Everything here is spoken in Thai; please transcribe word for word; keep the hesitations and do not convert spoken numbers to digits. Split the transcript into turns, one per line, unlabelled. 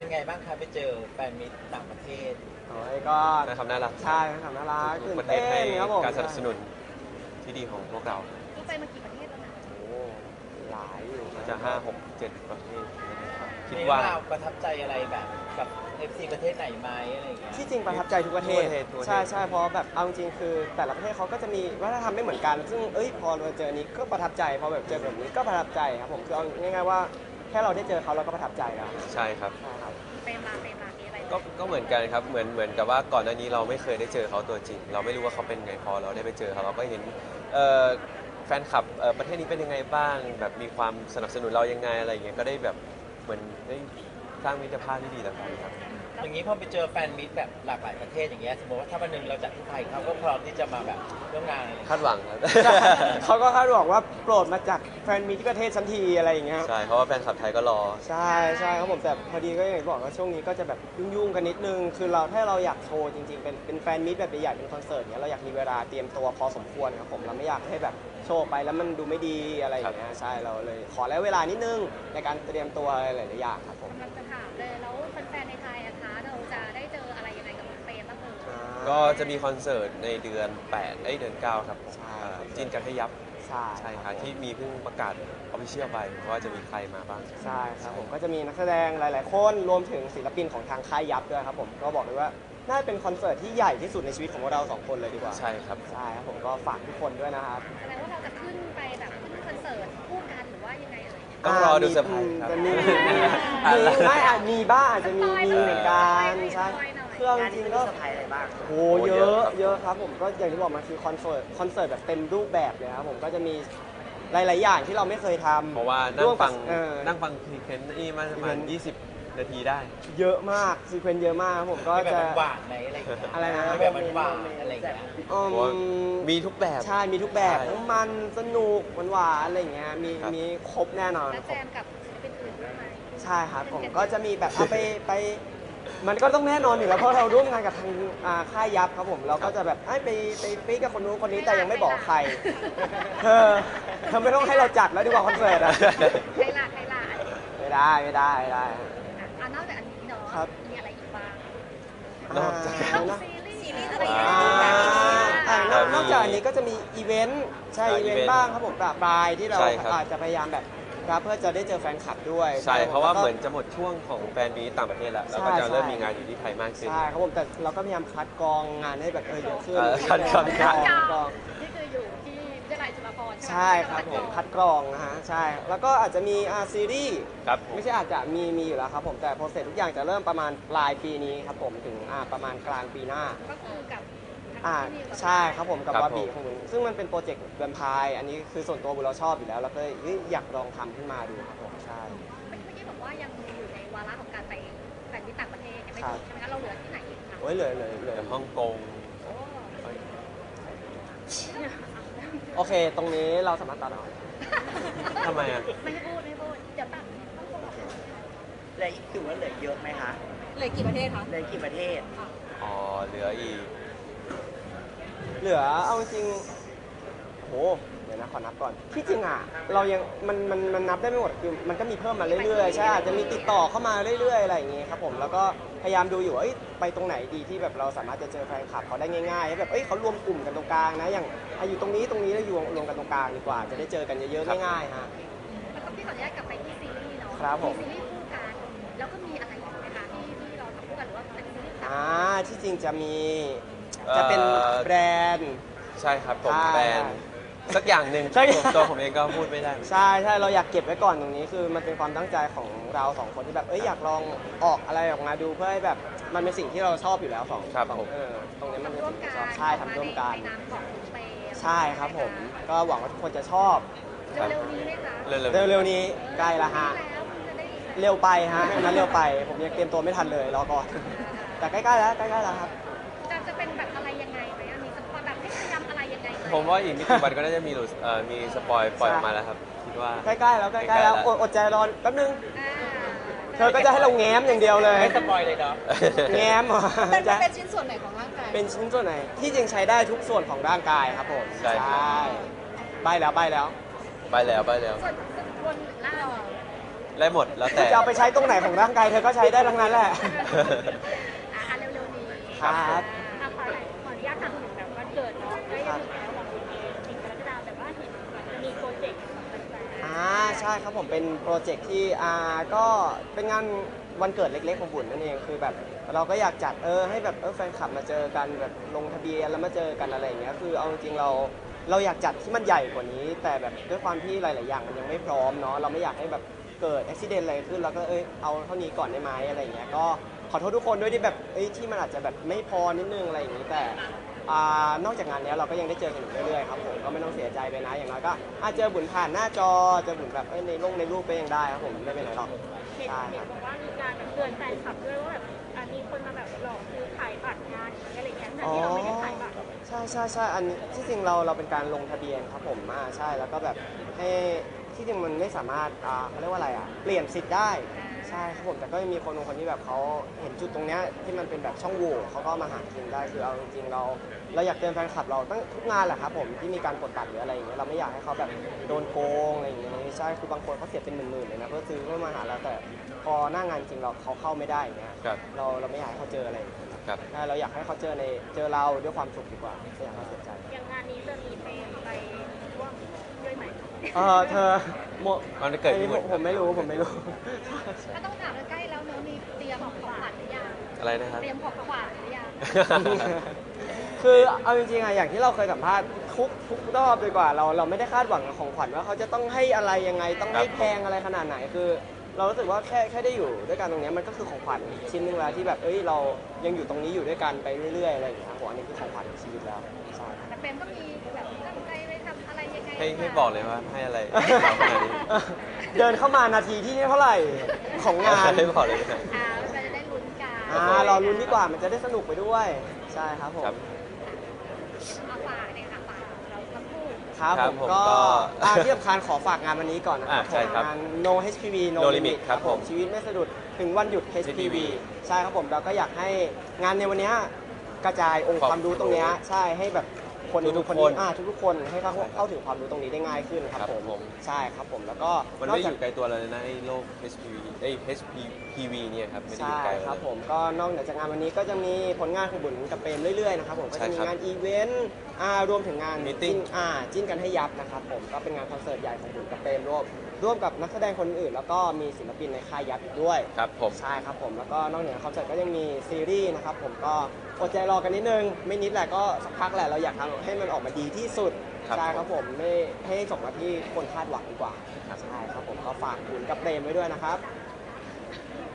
เป็นไงบ้างคะไปเจอแฟนมิตรต่างประเทศ
โอ้ยก็
นะครับน่ารัก
ใช่ครับน่ารัก
ทุ
ตื่น
กประเทศให้
เต้นครับผม
การสนับสนุนที่ดีของพวกเรา
ก็ไปมากี่ประเทศแล้วนะ
โอ้หลายอยู่
อาจจะห้าหกเจ็ดประเทศนะครับคิด
มี
ว่า
เรื่องราวประทับใจอะไรแบบกับ เอฟ ซี ประเทศไหนไหมอะไรอย่างเงี้ย
ที่จริงประทับใจทุกประเทศ
ทุกประเทศทุกประเทศ
ใช่ใช่เพราะแบบเอาจริงๆคือแต่ละประเทศเขาก็จะมีวัฒนธรรมไม่เหมือนกัน ซึ่งเอ้ยพอเราเจออันนี้ก็ประทับใจพอแบบเจอแบบนี้ก็ประทับใจครับผมคือเอาง่ายๆว่าแค่เราได้เจอเขาเราก็ประทับใจแล้ว
ใช่ครับ
ใช่ครับ
เปมาเปมามีอะไร
ก็ก็เหมือนกันครับเหมือนเหมือนกับว่าก่อนหน้านี้เราไม่เคยได้เจอเขาตัวจริง เราไม่รู้ว่าเขาเป็นไงพอเราได้ไปเจอเขาเราก็เห็นเอ่อแฟนคลับเอ่อประเทศนี้เป็นยังไงบ้างแบบมีความสนับสนุนเรายังไงอะไรอย่างเงี้ยก็ได้แบบเหมือนได้สร้างมิตรภาพที่ดีต่อกันครับ
อย่างนี้พอไปเจอแฟนมิตรแบบหลากหลายประเทศอย่างเงี้ยสมมติว่าถ้าวันหนึ่งเราจัดที่ไทยเขาก็พร้อมที่จะมาแบบร่วมงานอะไรอย่าง
คา
เงี้ย
ดหวังครับ
เขาก็คาดหวังว่าโปรดมาจากแฟนมีที่ประเทศชั้นทีอะไรอย่างเงี้ย
ใช่เพราะว่าแฟนคลับไทยก็รอ
ใช่ใช่ครับผมแต่พอดีก็อย่างที่บอกว่าช่วงนี้ก็จะแบบยุ่งๆกันนิดนึงคือเราถ้าเราอยากโชว์จริงๆเป็นเป็นแฟนมิตแบบใหญ่ๆเป็นคอนเสิร์ตเนี้ยเราอยากมีเวลาเตรียมตัวพอสมควรครับผมเราไม่อยากให้แบบโชว์ไปแล้วมันดูไม่ดีอะไรอย่างเงี้ยใช่เราเลยขอแล้วเวลานิดนึงในการเตรียมตัวหลายๆอย่างครับผม
กำลังจะถามเลยแล้วแฟนๆในไทยอะคะเราจะได้เจออะไรยังไงกับเปรมบ้างเอ่ย
ก็จะมีคอนเสิร์ตในเดือนแปดเอ้ยเดือนเก้าครับผม
ใช่
อ่าจินกันให้ยับ
ใช่
ใช่ครับที่มีเพิ่งประกาศออฟฟิเชียลไปว่าจะมีใครมาบ้าง
ใช่ครับผมก็จะมีนักแสดงหลาย ๆ คนรวมถึงศิลปินของทางค่ายยับด้วยครับผมก็บอกเลยว่าน่าจะเป็นคอนเสิร์ตที่ใหญ่ที่สุดในชีวิตของเราสองคนเลยดีกว่า
ใช่ครับ
ใช่ครับผมก็ฝากทุกคนด้วยนะครับ
แสดงว่าเราจะขึ้นไปแบบขึ้นคอนเสิร์ตคู่กันหรือว่ายังไงเอ่ย
ต้องรอดูเซอร์ไพรส์ครับ
จะมี
อ่ะ
มีไม่อาจมีบ้างอาจจะมีมีเหมือนกันใช่เครื่อง
งาน
จ
นี้
ริง
มัน
ก็
มีเซอร์ไพรส์อะไรบ้าง
โอ้เยอะเยอะครับผมก็อย่างที่บอกมาคือคอนเสิร์ตคอนเสิร์ตแบบเต็มรูปแบบเลยครับผมก็จะมีหลาย ๆ อย่างที่เราไม่เคยทำ
เพราะว่านั่
ร่
ง
วมกับ
ฟัง
เออ
นั่งฟังพรีเซนต์นี่มาประมาณ
อีเวนต์
ยี่สิบ นาทีได้
เยอะมากซีเควนต์เยอะมากครับผมก็
มีแบบ
จะ
หวานๆไหมอะไรอย่างเงี้ย
อะไรนะ
มีแบบหวานๆอะไรอย่างเงี้ย
อืม
เพราะว่ามีทุกแบบ
ใช่มีทุกแบบ
ใช่
ทั้งมันสนุกหวานๆอะไรอย่างเงี้ยมี
ครับ
มีครบแน่นอน
แล้วแจมกับศิลปินอื่นด้วยไหม
ใช่ครับผมก็จะมีแบบเอาไปไปมันก็ต้องแน่นอนอยู่แล้วเพราะเราร่วมงานกับทางอ่าค่ายยับครับผมเราก็จะแบบเอ้ยไปไปปีกับคนนู้นคนนี้แต่ยังไม่บอกใครเธอเธอไม่ต้องให้เราจัดแล้วดีกว่าคอนเสิร์ตอะ
ใครล่ะใครล่ะ
ไม่ได้ไม่ได้ไม่ได้
อ่ะนอกจากอันนี้เนาะ
ครับ
มีอะไรอีกบ้าง
นอกจาก
อ่า
ต้อง
นะ
ซีรีส์ซีรีส์อะไร
อ่า อ่านอก
มี
นอกจากอันนี้ก็จะมีอีเวนต์ใช่
อ่า
อีเวน
อีเวนต์
ต์บ้างครับผมปราปรายที่เรา
ใช่ครับ
อาจจะพยายามแบบรับเพื่อจะได้เจอแฟนคลับด้วย
ใช่
คบ
เพราะว่า
แล้วก็
เหมือนจะหมดช่วงของแฟนมีตต่างประเทศแล้วเราก็
ใช่
จะเริ่ม
ใช่
มีงานอยู่ที่ไทยมากขึ้น
ใช่ครับผมแต่เราก็พยายามคัดกรองงานให้แบบเออเยอะขึ้น
เออคัดกรอง
คัดกรอง
นี่คืออยู่ที่วิทยาลัยจุฬาภรณ์ใช่ไหม
ใช่ครับผมคัดกรองนะฮะใช่แล้วก็อาจจะมีอ่าซีรีส์
ครับผม
ไม่ใช่อาจจะมีมีอยู่แล้วครับผมแต่โปรเซสทุกอย่างจะเริ่มประมาณปลายปีนี้ครับผมถึงอ่าประมาณกลางปีหน้า
ก็คือกับทาง
อ่า
ที่นิวกับ
ใช่ครับผมกับ
ครับ
วาบี
ผม
ของผมซึ่งมันเป็นโปรเจกต์แวมไพร์อันนี้คือส่วนตัวบุญเราชอบอยู่แล้วแล้วก็เอ้ยอยากลองทำขึ้นมาดูครับผมใช่
เมื่อกี้บอกว่ายังอยู่ในวาระของการไปแฟนที่ต่างประเทศยังไม่
ครั
ถึ
บ
งใช่ไหมคะเราเหลือที่ไหนอีกคะ
โอ้ยเลยเลยเลย
แต่ฮ่องกง
โอ้
เอ้ย
โอเค ตรงนี้เราสามารถตัดออก
ทำไมอ่ะ
ไม่ให้พูดไม่ให้พูดเดี๋ยวตัดต้องคนออก
เหลืออีกถือว่าเหลือเยอะไหมคะ
เหลือกี่ประเทศคะ
เหลือกี่ประเทศ
อ๋อเหลืออีก
เหลือเอาจริงโหเดี๋ยวนะขอนับก่อนที่จริงอ่ะเรายังมันมันมันนับได้ไม่หมดคือมันก็มีเพิ่มมาเรื่อยๆใช่อาจจะมีติดต่อเข้ามาเรื่อยๆอะไรอย่างเงี้ยครับผมแล้วก็พยายามดูอยู่ว่าเอ้ยไปตรงไหนดีที่แบบเราสามารถจะเจอแฟนคลับเขาได้ง่ายๆให้แบบเอ้ยเขารวมกลุ่มกันตรงกลางนะอย่างอ่ะอยู่ตรงนี้ตรงนี้แล้วอยู่รวมกันตรงกลางดีกว่า จะได้เจอกันเยอะๆง่ายๆฮะ
แล้วก็พี่ขออนุญาตกลับไปที่ซีรีส์เนาะ
ครับผม
ซีรีส์คู่กันแล้วก็มีอะไรอีกไหมคะที่ที่เราทำคู่กันหรือว่าเป็นซีรีส์ต่าง
อ่าที่จริงจะมีจะเป็น
เอ่อ
แบรนด์
ใช่ครับผม
ใช่
แบรนด์สักอย่างหนึ่ง
ใช่
ผมตัวผมเองก็พูดไม่ได้
ใช่ใช่เราอยากเก็บไว้ก่อนตรงนี้คือมันเป็นความตั้งใจของเราสองคนที่แบบเอ้ยอยากลองออกอะไรออกมาดูเพื่อให้แบบมันเป็นสิ่งที่เราชอบอยู่แล้วสอง
ครับ
สอง
ผม
เออตรงนี้มัน
ทำ
เป็น
ร่วม
สิ่ง
กั
ที่
น
ชอบใช่ทำร่วมกัน
ในนามของเปย์
ใช่ครับผม ก็หวังว่าทุกคนจะชอบ
เร็วๆนี้ไหมคะ
เร็วๆ
เร็วๆนี้ใกล้ละฮะ
แล้วคุณจะได้
เร็วไปฮะอันนั้นเร็วไปผมยังเตรียมตัวไม่ทันเลยรอก่อนแต่ใกล้ๆแล้วใกล้ๆแล้วครับ
จะจะเป็นแบบอะไรยังไงไหมอะมีสปอยแบบให้พยายามอะไรยังไงไหม
ผมว่าอีกไม่กี่วันก็น่าจะมีหลุดเอ่อมีสปอยปล่อยออกมาแล้วครับ คิดว่า
ใกล้ๆแล้วใกล้ๆแล้วอดอดใจรอแป๊บนึง
อ่า
เธอก็จะให้เราแง้มอย่างเดียวเลย
ไม่สปอยเลยเนาะ
แง้มเหรอ
เป็น
จะ
เป็นชิ้นส่วนไหนของร่างกาย
เป็นชิ้นส่วนไหนที่จริงใช้ได้ทุกส่วนของร่างกายครับผม
ใช่ครับ
ใบแล้วใบแล้ว
ไปแล้วไปแล้ว
ส่วนส่วนบนล่าง
เได้หมดแล้วแต่
จะเอาไปใช้ตรงไหนของร่างกายเธอก็ใช้ได้ทั้งนั้นแหละ
อ่ะเร็วๆนี้
ครับ
อ่ะขอขออนุญาตถามถึงแบบวันเกิดเนาะใกล้จะถึงแล้วของคุณเองสิบกรกฎาคมแต่ว่าเห็นเหมือนจะมีโปรเจกต์ของแฟนๆ
อ่าใช่ครับผมเป็นโปรเจกต์ที่อ่าก็เป็นงานวันเกิดเล็กๆของบุญนั่นเองคือแบบเราก็อยากจัดเออให้แบบเออแฟนคลับมาเจอกันแบบลงทะเบียนแล้วมาเจอกันอะไรอย่างเงี้ยคือเอาจริงๆเราเราอยากจัดที่มันใหญ่กว่านี้ แต่แบบด้วยความที่หลายๆอย่างมันยังไม่พร้อมเนาะเราไม่อยากให้แบบเกิดอุบิเหตุอะไรขึ้นเราก็เอยเอาเท่านี้ก่อนได้ไหมอะไรอย่างเงี้ยก็ขอโทษทุกคนด้วยที่แบบเอ้ยที่มันอาจจะแบบไม่พอนิดนึงอะไรอย่างงี้แต่อ่านอกจากงานเนี้ยเราก็ยังได้เจอกันอยู่เรื่อยๆครับผมก็ไม่ต้องเสียใจไปนะอย่างน้อยก็อาจเจอบุญผ่านหน้าจอเจอบุญแบบเอ้ยในลงในรูปก็ยังได้ครับผมไม่เป็นไรหรอก
เห็น
ใช่ค
เห็
รั
น
บ
บอกว่ามีการแบบเตือนแฟนคลับด้วยว่าแบบอ่ะมีคนมาแบบหลอกซื้อขายบัตรงานอะไรอย่างเงี้ยแต่ที่เราไม่ได้ขายบัตร
ใช่ใช่ใช่อันนี้ที่จริงเราเราเป็นการลงทะเบียนครับผมอ่าใช่แล้วก็แบบให้ที่จริงมันไม่สามารถอ่าเขาเรียกว่าอะไรอ่ะเปลี่ยนสิทธิ์ได้ใช่ครับผมแต่ก็ยังมีคนบางคนที่แบบเขาเห็นจุดตรงเนี้ยที่มันเป็นแบบช่องโหว่เขาก็มาหากินได้คือเอาจริงๆเราเราอยากเตือนแฟนคลับเราตั้งทุกงานแหละครับผมที่มีการกดบัตรหรืออะไรอย่างเงี้ยเราไม่อยากให้เขาแบบโดนโกงอะไรอย่างเงี้ยใช่คือบางคนเขาเสียเป็นหมื่นๆเลยนะเพื่อซื้อเพื่อมาหาเราแต่พอหน้างานจริงเราเขาเข้าไม่ได้อย่างเงี้ย
ครับ
เราเราไม่อยากให้เขาเจออะไรอย่างเงี้ย
ครับ
ใช่เราอยากให้เขาเจอในเจอเราด้วยความสุขดีกว่าไม่อยากให้เขาเสียใจ
อย่างงานนี้จะมีเพลงไปร่วมด้วยไหม
เออเธอโม
วันเกิด
อัน
พี่
นี้
บุ
ผ
ญ
ม
ค
ผ
รับ
มไม่รู้ผมไม่รู้
ก็ต้องถามใกล้แล้วเนอะมีเตรียมของขวัญหรือยัง
อะไรนะครับ
เตรียมของขวัญหรือยัง
คือเอาจริงๆอะอย่างที่เราเคยสัมภาษณ์ทุกทุกรอบดีกว่าเราเราไม่ได้คาดหวังกับของขวัญว่าเขาจะต้องให้อะไรยังไงต้องให้
ครับ
แพงอะไรขนาดไหนคือ เรารู้สึกว่าแค่แค่ได้อยู่ด้วยกันตรงเนี้ยมันก็คือของขวัญชิ้นหนึงแล้วที่แบบเอ้ยเรายังอยู่ตรงนี้อยู่ด้วยกันไปเรื่อยๆอะไรอย่างเงี้ยครับผมอันนี้คือของขวัญของชีวิตแล้วใช่
แต่เปรมก็มีแบบตั้งใจไปทำอะไรยังไง
ให้ให้บอกเลยว่าให้อะไรเอาขนาดนี้
เดินเข้ามานาทีที่เท่าไหร่ของงาน
ให้บอกเลยนะ
อ่าเราจะได้ลุ้นกัน
อ่ารอลุ้นดีกว่ามันจะได้สนุกไปด้วยใช่ครับผม
ครับ
เอาฝากเลยค่ะฝากเราทั้งคู่
ครับ
ครั
ผ
บ
ม
ผม
ก็
ก็
อ่าที่สำคัญขอฝากงานวันนี้ก่อนนะครับ
อ่าใช่ครับ
งาน No เอช พี วี No
No
Limit
Limit
ครับผม
ครับผม
ชีวิตไม่สะดุดถึงวันหยุด เอช พี วี ใช่ครับผมเราก็อยากให้งานในวันเนี้ยกระจายองค์ความรู้ตรงเนี้ยใช่ให้แบบคน
ทุกๆ
คน
คน
อ่าทุกๆคนให้เขา
ใช่ครับ
เข้าถึงความรู้ตรงนี้ได้ง่ายขึ้นครับ
ครับ
ผม
ผม
ใช่ครับผมแล้วก็
มัน
นอก
ไม่อ
จาก
ยู่ไกลตัวเราเลยนะไอ้โลก เอช พี วี เอ้ย เอช พี วี เนี่ยครับไม่ได้อ
ใช่
ยู่ไกล
ครับ
เลย
ผมก็นอกเหนือจากงานวันนี้ก็จะมีผลงานของบุญกับเปรมเรื่อยๆนะครับผมก็
ใช่
จะมี
ครับ
งานอีเวนต์อ่ารวมถึงงาน
Meeting
จิ้นอ่าจิ้นกันให้ยับนะครับผมก็เป็นงานคอนเสิร์ตใหญ่ของบุญกับเปรมร่วมร่วมกับนักแสดงคนอื่นแล้วก็มีศิลปินในค่ายยับอีกด้วย
ครับผม
ใช่ครับผมแล้วก็นอกเหนือคอนเสิร์ตก็ยังมีซีรีส์นะครับผมก็อดใจรอกันนิดนึงไม่นิดแหละก็สักพักแหละเราอยากทำให้มันออกมาดีที่สุด
ครับ
ใช่ครับผมไม่ให้ส่งมาที่คนคาดหวังดีกว่า
ครับ
ใช่ครับผมก็ฝากบุญกับเปรมไว้ด้วยนะครับ